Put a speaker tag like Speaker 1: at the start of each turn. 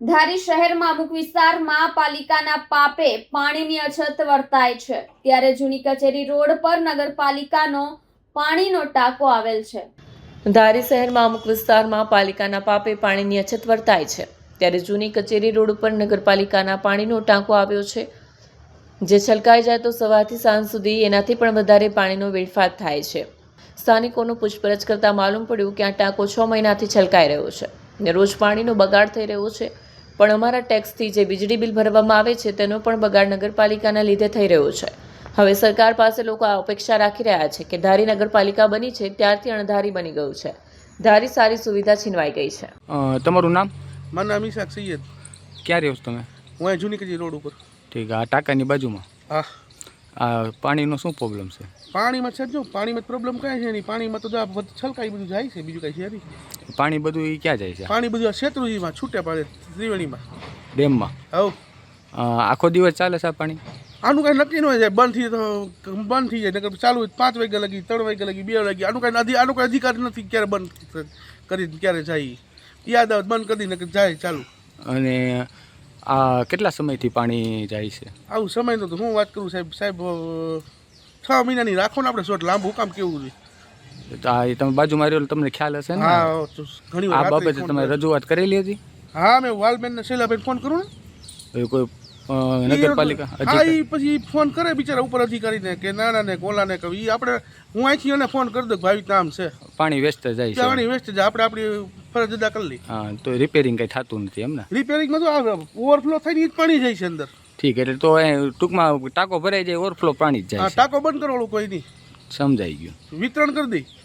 Speaker 1: ધારી શહેરમાં અમુક વિસ્તારમાં પાલિકાના પાપે પાણીની અછત વર્તાય છે, ત્યારે જૂની કચેરી રોડ પર નગરપાલિકાનો પાણીનો ટાંકો આવેલ છે। ધારી શહેરમાં અમુક વિસ્તારમાં પાલિકાના પાપે પાણીની અછત વર્તાય છે, ત્યારે જૂની કચેરી રોડ ઉપર નગરપાલિકાના પાણીનો ટાંકો આવ્યો છે, જે છલકાઈ જાય તો સવારથી સાંજ સુધી એનાથી પણ વધારે પાણીનો વેડફાટ થાય છે। સ્થાનિકોનું પૂછપરછ કરતાં માલુમ પડ્યું કે આ ટાંકો 6 મહિનાથી છલકાઈ રહ્યો છે ને રોજ પાણીનો બગાડ થઈ રહ્યો છે, પણ અમારા ટેક્સથી જે વીજળી બિલ ભરવામાં આવે છે તેનો પણ બગાડ નગરપાલિકાના લીધે થઈ રહ્યો છે। હવે સરકાર પાસે લોકો આ અપેક્ષા રાખી રહ્યા છે કે ધારી નગરપાલિકા બની છે ત્યારથી અણધારી બની ગયું છે, ધારી સારી સુવિધા છીનવાઈ ગઈ છે।
Speaker 2: તમારું નામ?
Speaker 3: મારું નામ ઈશાક સૈયદ।
Speaker 2: ક્યાં રહ્યો છો તમે?
Speaker 3: હું અહીં જૂની કચેરી રોડ ઉપર।
Speaker 2: ઠીક, આ ટાંકાની બાજુમાં
Speaker 3: હા,
Speaker 2: આ પાણીનો શું પ્રોબ્લેમ છે?
Speaker 3: પાણીમાં છે જો પાણીમાં પ્રોબ્લેમ કાંઈ છે નહીં, પાણીમાં તો જો આ બધું છલકાઈ બધું જાય છે, બીજું કાંઈ છે નહીં।
Speaker 2: પાણી બધું એ ક્યાં જાય છે?
Speaker 3: પાણી બધું આ શેત્રુંજીમાં છૂટે પડે ત્રિવેણીમાં
Speaker 2: ડેમમાં?
Speaker 3: હવ
Speaker 2: આખો દિવસ ચાલે છે આ પાણી?
Speaker 3: આનું કાંઈ નક્કી ન હોય, જાય બંધ થઈ તો બંધ થઈ જાય, નકર ચાલુ 5 વાગ્યા લગી 3 વાગ્યા લગી 2 વાગ્યા, આનું કાંઈ અધિકાર નથી ક્યારે બંધ કરી ક્યારે જાય, યાદ આવે બંધ કરી નકર જાય ચાલુ।
Speaker 2: અને આ કેટલા સમયથી પાણી જાય છે?
Speaker 3: આવું સમયનું તો હું વાત કરું સાહેબ 6 મહિનાની રાખો ને આપણે શોટ, લાંબુ કામ કેવું છે?
Speaker 2: તો આ તમે બાજુમાં રહ્યો તમને ખ્યાલ હશે ને?
Speaker 3: હા, ઘણી
Speaker 2: આ
Speaker 3: વાર
Speaker 2: બાબતે તમે રજૂઆત કરેલી હતી?
Speaker 3: હા, મેં વાલબેન શૈલાબેન ફોન કરું ને
Speaker 2: કોઈ નગરપાલિકા
Speaker 3: હા, એ પછી ફોન કરે બિચારા ઉપર અધિકારીને કે નાના ને કોલાને કે ઈ આપણે હું અહીંથી એને ફોન કરી દઉં કે ભાઈ કામ છે,
Speaker 2: પાણી વેસ્ટ જાય છે,
Speaker 3: પાણી વેસ્ટ જાય, આપણે આપણી ફરજ અદા કરી લઈ।
Speaker 2: હા, તો રિપેરિંગ કંઈ થતું નથી એમ ને?
Speaker 3: રિપેરિંગમાં તો ઓવરફ્લો થઈને જ પાણી જાય છે અંદર।
Speaker 2: ઠીક, એટલે તો ટૂંકમાં ટાંકો ભરાઈ જાય, ઓવરફ્લો પાણી જ
Speaker 3: હા,
Speaker 2: જાય છે।
Speaker 3: ટાંકો બંધ કરવાનું કોઈ નહીં,
Speaker 2: સમજાઈ ગયું।
Speaker 3: વિતરણ કરી દઈ।